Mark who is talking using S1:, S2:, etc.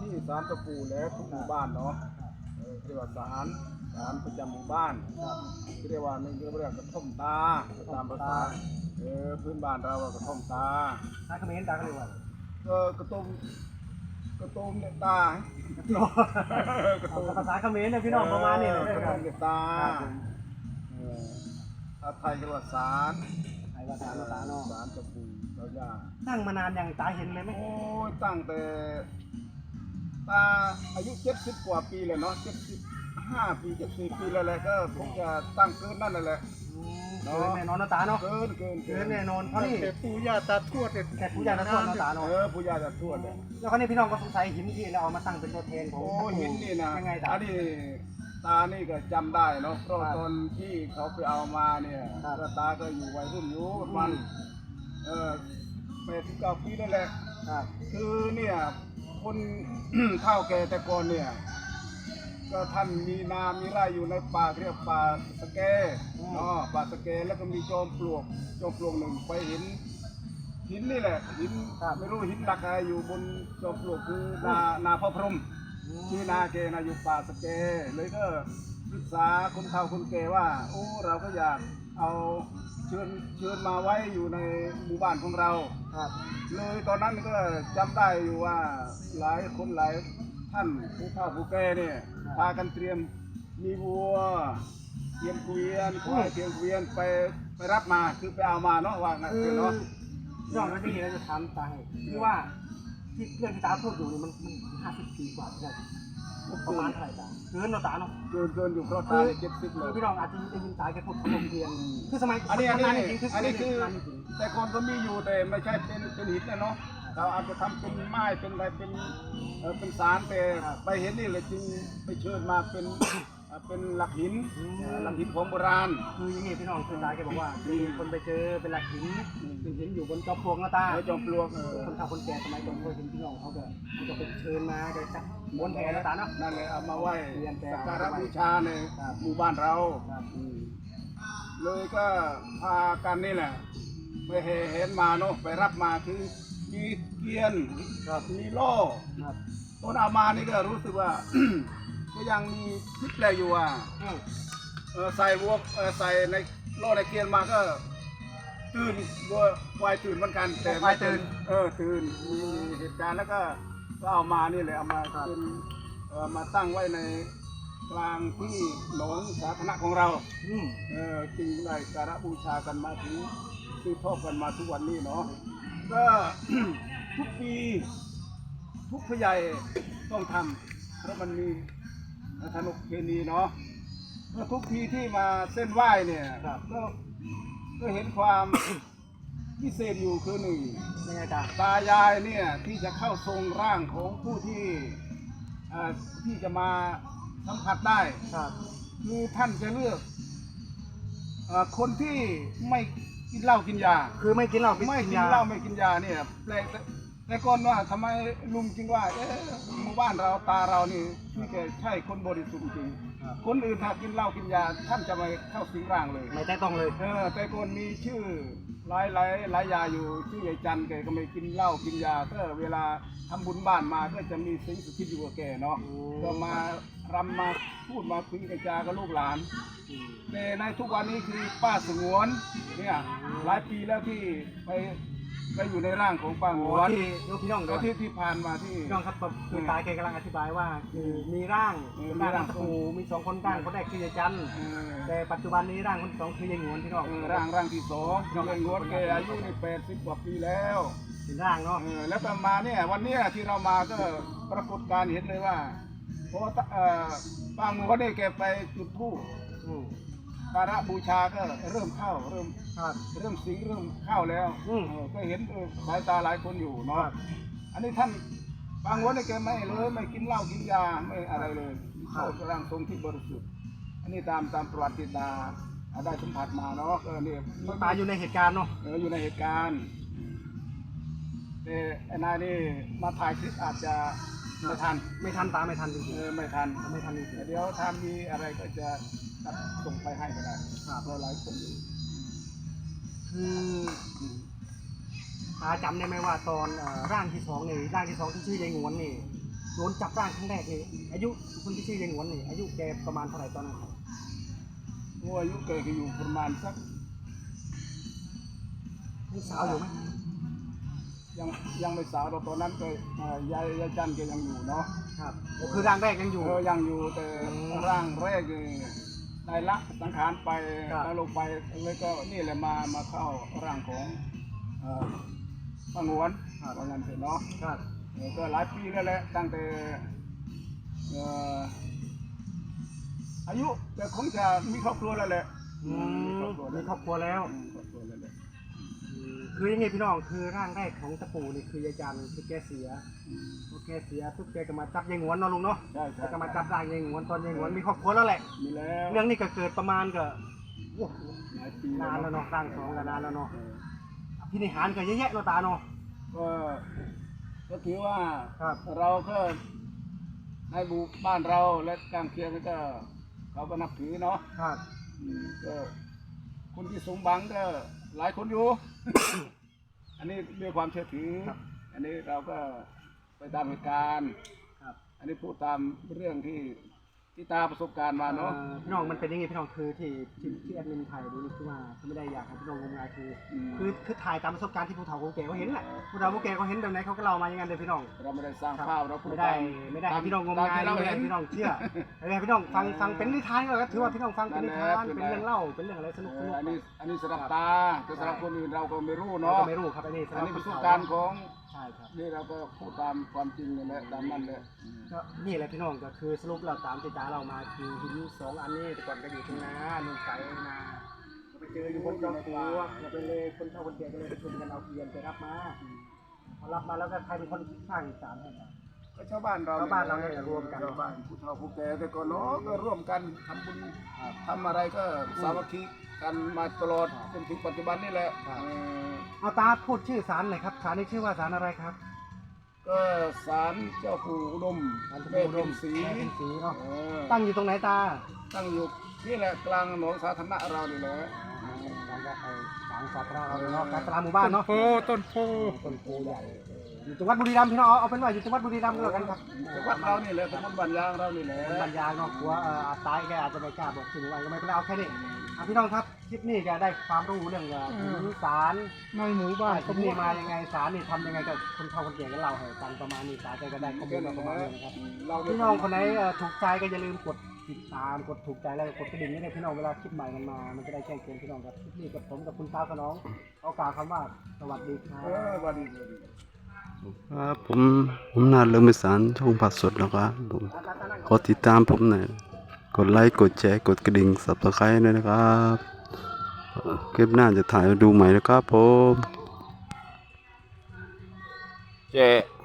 S1: ที่ศาลเจ้าปู่แล้วทุกหมู่บ้านเนาะเรียกว่าศาลประจำหมู่บ้านเรียกว่าหนึ่งเรียกว่ากระท่อมตาตามภาษาพื้นบ้านเรากระท่อมตา
S2: ตาเขมรตาเขาเรียกว่าก
S1: ระตุ้มเนี่ยตา
S2: ภาษาเขมรเนี่ยพี่น้องประมาณนี้เลย
S1: กระตุ้มเนี่ยตาไทยเรียกว่าศาล
S2: ไทยว่าศาลเนาะ
S1: ศาลเจ้าปู่เจ้าย่า
S2: ตั้งมานานอย่างตาเห็นเลยไหม
S1: โอ้ยตั้งแต่ตาอายุ70กว่าปีเลยเนาะ75 ปี74 ปีแล้วแหละก็คงจะตั้งเกินนั่นแหละ
S2: เกินแน่นอนนะตาเนาะ
S1: เกิน
S2: แน่นอนเพราะนี่
S1: ปู่ย่าตาทวด
S2: แต่ปู่ย่าตาทวดนะตาเนาะ
S1: ปู่ย่าตาทวด
S2: แล้วเขาเนี่ยพี่น้องก็สงสัยหินที่เราเอามาตั้งเป็นตัวแทนของ
S1: โอ้หินนี่นะ
S2: ยังไงตา
S1: อันนี้ตานี่ก็จำได้เนาะเพราะตอนที่เขาไปเอามาเนี่ยตาก็อยู่วัยรุ่นอยู่ประมาณ89 ปีนั่นแหละคือเนี่ยคนเฒ่าแก่แต่ก่อนเนี่ยก็ท่านมีนามีไร่อยู่ในป่าเรียกป่าสะแกป่าสะแกแล้วก็มีจอมปลวกหนึ่งไปเห็นหินนี่แหละหินไม่รู้หินหลักอะไรอยู่บนจอมปลวกคือนาพระพรหมชื่อนาเกนาอยู่ป่าสะแกเลยก็ปรึกษาคนเฒ่าคนแก่ว่าโอ้เราก็อยากเอาเชิญมาไว้อยู่ในหมู่บ้านของเราเลยตอนนั้นก็จำได้อยู่ว่าหลายคนหลายท่านผู้เฒ่าผู้แก่เนี่ยพากันเตรียมมีวัวเตรียมเกวียนควายเตรียมเกวียนไปรับมาคือไปเอามาเนาะว่างั้นเนาะ
S2: ย้อนมาที่นี่เราจะถามตาให้คือว่าที่เรื่องที่ตาพูดอยู่นี่มัน50 ปีกว่าใช่ไหมประมาณเท่าไหร่ตาเกินเราตาเนาะ
S1: เกินอยู่เพราะตา70เลย
S2: พี่น้องอาจจะได้ยินตาแกพูดขนมเทียนคือสมัย
S1: อันนี้คือแต่ก่อนก็มีอยู่แต่ไม่ใช่เป็นหินนะเนาะเราอาจจะทำเป็นไม้เป็นอะไรเป็นสารแต่ไปเห็นนี่เลยจึงไปเชิญมาเป็นหลักหินของโบราณ
S2: คืออย่างนี้พี่น้องคือตาแกบอกว่ามีคนไปเจอเป็นหลักหินอยู่บนจอมปลวกนะตา
S1: จอมปลวก
S2: คนเฒ่าคนแก่สมัยก่อนเคยเห็นพี่น้องเขาก็ไปเชิญมาแกจับม้วนแผลนะตาเนาะ
S1: นั่นเลยเอามาไหว้สักการะบูชาในหมู่บ้านเราเลยก็พากันนี่แหละไปเห็นมาเนาะไปรับมาคือมีเกียนมีโล่ตอนเอามานี่ก็รู้สึกว่าก็ยังมีคิดแปลอยู่ว่าใส่วัวใส่ในโล่ในเกียนมาก็ตื่นวัวควายตื่นเหมือนกันแต่
S2: ไม่ตื่น
S1: ตื่นมีเหตุการณ์แล้วก็เอามานี่เลยเอามาเป็นมาตั้งไว้ในกลางที่หนองสาธารณะของเราจึงได้การบูชากันมาถึงสืบทอดกันมาทุกวันนี้เนาะก็ทุกปีทุกผู้ใหญ่ต้องทำเพราะมันมีธนุเคนีเนาะทุกทีที่มาเส้นไหว้เนี่ยก็เห็นความพิเศษอยู่คือหนึ่งตายายเนี่ยที่จะเข้าทรงร่างของผู้ที่จะมาสัมผัสได้คือท่านจะเลือกคนที่ไม่กินเหล้ากินยา
S2: คือไม่กินเหล้า
S1: ไม่กินยาเนี่ยแปลกแต่ก่อนว่าทำไมลุงจึงว่าหมู่บ้านเราตาเรานี่แกใช่คนบริสุทธิ์จริงคนอื่นถ้ากินเหล้ากินยาท่านจะไม่เข้าสิงร่างเลย
S2: ไม่ได้ต้องเลย
S1: แต่ก่อนมีชื่อหลายยาอยู่ชื่อใหญ่จันแกก็ไม่กินเหล้ากินยาก็เวลาทำบุญบ้านมาก็จะมีสิ่งสุขิตอยู่กับแกเนาะก็มารำมาพูดมาคุยกับจากัลูกหลานแต่ในทุกวันนี้คือป้าสงวนเนี่ยหลายปีแล้วที่ไปอยู่ในร่างของป้าสงวน
S2: พี่น้อง
S1: ที่ผ่านมาที่
S2: พี่น้องครับคือตาแกกำลังอธิบายว่าคือมีร่างตะปูมี2 คนร่างคนแรกคือยายจันแต่ปัจจุบันนี้ร่างคนที่2คือยายงวนพี่น้อง
S1: ร่างที่2ยายงวนแกอายุใน80 กว่าปีแล้ว
S2: เป็นร่างเนาะ
S1: แล้วต่อมาเนี่ยวันนี้ที่เรามาก็ปรากฏการเห็นเลยว่าเพราะว่าป้าหมูเขาได้แกไปจุดธูปการะบูชาก็เริ่มเข้าเริ่มสิงเริ่มเข้าแล้วก็เห็นสายตาหลายคนอยู่เนาะอันนี้ท่านป้าหมูได้แกไม่เลยไม่กินเหล้ากินยาไม่อะไรเลยเข้าร่างทรงที่บริสุทธิ์อันนี้ตามประวัติตาได้สัมผัสมาเนาะเนี่ย
S2: ตาอยู่ในเหตุการณ์เนาะ
S1: อยู่ในเหตุการณ์แต่นายนี่มาถ่ายคลิปอาจจะไม่ทัน
S2: ตาไม่ทันจริง
S1: ๆไม่ทันจริงเดี๋ยวถ้ามีอะไรก็จะส่งไปให้ก็ได้เพราะหลายคน
S2: คือตาจำได้ไหมว่าตอนร่างที่2นี่ร่างที่2ที่ชื่อยายงวนนี่โดนจับร่างครั้งแรกนี่อายุคนที่ชื่อยายหงวนนี่อายุแกประมาณเท่าไหร่ตอนนั้นครับ
S1: งัวอายุแกก็อยู่ประมาณสัก
S2: ยังสาวอยู่ไหม
S1: ยังยังไม่สาวเราตอนนั้นก็ยายจันแกยังอยู่เนาะ
S2: ครับโอ้คือร่างแรกยังอยู่
S1: ยังอยู่แต่ร่างแรกได้ละสังขารไป
S2: ครับ
S1: แล้วลงไปเลยก็นี่แหละมาเข้าร่างของป้าหงวนว่างั้นเถอะเนาะ
S2: ครับ
S1: ก็หลายปีแล้วแหละตั้งแต่อายุแต่คงจะมีครอบครัวแล้วแหละ
S2: มีครอบครัวแล้ว
S1: ครอบครัวแล้วแหละ
S2: คือยังไงพี่น้องคือร่างแรกของตะปูนี่คือยายจันคือแกเสียพอแกเสียทุกแกก็มาจับยายหงวนเนาะลุงเนาะ
S1: ใช่ใช่
S2: แล้วก็มาจับร่างยายหงวนตอนยายหงวนมีครอบครัวแล้วแหละ
S1: มีแล้ว
S2: เรื่องนี้ก็เกิดประมาณก็โอ้
S1: หลายปี
S2: นานแล้วเนาะร่างสองก็นานแล้วเนาะ
S1: เออ
S2: พินิหารก็เยอะแยะเนาะตาเนาะ
S1: ก็ถือว่า
S2: ครับ
S1: เราก็ให้บูบ้านเราและกลางเคียงก็เขาก็นับถือเนาะ
S2: ครับ
S1: ก็คนที่สมบังก็หลายคนอยู่ อันนี้ด้วยความเชื่อถือ อันนี้เราก็ไปตามเหตุการณ์
S2: ครับ
S1: อันนี้พูดตามเรื่องที่ตาประสบการณ์มาเนาะ
S2: พี่น้องมันเป็นยังไงพี่น้องคือที่แอดมินไทยดูนี่คือว่าเขาไม่ได้อยากให้พี่น้องงมงายคือ คือถ่ายตามประสบการณ์ที่ผู้เฒ่าผู้แก่เขาเห็นแหละผู้เฒ่าผู้แก่เขาเห็นแบบไหนเขาก็เล่ามาอย่างนั้นเลยพี่น้อง
S1: เราไม่ได้สร้าง
S2: ครับ
S1: ภาพเราพูด
S2: ไม่ได้ให้พี่น้องงมงาย
S1: เรา
S2: ไม่ได้
S1: เห็น
S2: ให้พี่น้องเชื่อไม่ได้ให้พี่น้องฟังเป็นนิทานก็ถือว่าพี่น้องฟังเป็นนิทานเป็นเรื่องเล่าเป็นเรื่องอะไรสนุก
S1: อันนี้สำหรับตาแต่สำหรับคนอื่นเราก็ไม่รู้
S2: เรา
S1: เนาะ
S2: ก็ไม่รู้ครับอันนี้
S1: อันนี้ประสบการณ์ของ
S2: ใช่ครับ
S1: นี่เราก็พูดตามความจริงนี่แหละตามนั้นแหละ
S2: ก็นี่แหละพี่น้องก็คือสรุปเราตามที่ตาเรามาคือหินสองอันนี้แต่ก่อนก็อยู่ทุ่งนานุ่งไก่นาไปเจออยู่บนจอมปลวกเราไปเลยคนเฒ่าคนแก่ก็เลยไปชวนกันเอาเทียนไปรับมาพอรับมาแล้วก็ใครเป็นคนสร้างศาลให้ครับ
S1: ก็ชาวบ้านเรา
S2: ชาวบ้านเราเนี่ยรวมกัน
S1: ชาวบ้านผู้เฒ่าผู้แก่แต่ก่อนเนาะก็ร่วมกันทำบุญทำอะไรก็สามัคคีกันมาตลอดจนถึงปัจจุบันนี่แหละ
S2: เอาตาพูดชื่อศาลหน่อยครับศาลนี้ชื่อว่าศาลอะไรครับ
S1: ก็ศาลเจ้าปู่อุดม
S2: ศาล
S1: แม่
S2: อุด
S1: เป็น
S2: ม
S1: ศรี
S2: แม่เป็นศรีเนาะ
S1: เออ
S2: ตั้งอยู่ตรงไหนตา
S1: ตั้งอยู่นี่แหละกลางถนนสาธารณะเรานี่แหละ
S2: ศาลก็ไอ้ศาลสาธารณะเราเนาะการตลาดหมู่บ้านเนาะ
S1: ต้นโพ
S2: ต้นโพใหญ่อยู่จังหวัดบุรีรัมย์พี่น้องเอาเป็นว่าอยู่จังหวัดบุรีรัมย์ก็แล้วกันครับ
S1: จังหวัดเรานี่แหละตำบลบ้านยางเรานี่แหละ
S2: บรรยายเนาะกลัวตายแกอาจจะไม่กล้าบอกถึงวันก็ไม่เป็นไรเอาแค่นี้พี่น้องครับคลิปนี้จะได้ความรู้เรื่องถึงศาล
S1: ในหมู่บ้าน
S2: คลิปนี้มายังไงศาลนี่ทำยังไงกับคนเฒ่าคนแก่กันเราให้ฟังประมาณนี้ศาลก็ได้ข้อมูลมาประมาณนี้นะครับ พี่น้องคนไหนถูกใจก็อย่าลืมกดติดตามกดถูกใจแล้วก็กดกระดิ่งให้พี่น้องเวลาคลิปใหม่มันมา มันจะได้แจ้งเตือนพี่น้องครับคลิปนี้กับผมกับคุณตาขน้องเอากล่าวคำว่าสวัสดีครับ
S1: วันนี้
S3: ครับผมนาเรื่องมิสานช่องผัดสดนะครับผมกดติดตามผมหน่อยกดไลค์กดแชร์กดกระดิ่ง Subscribe ด้วยนะครับคลิปหน้าจะถ่ายดูใหม่นะครับผม
S1: เจ๊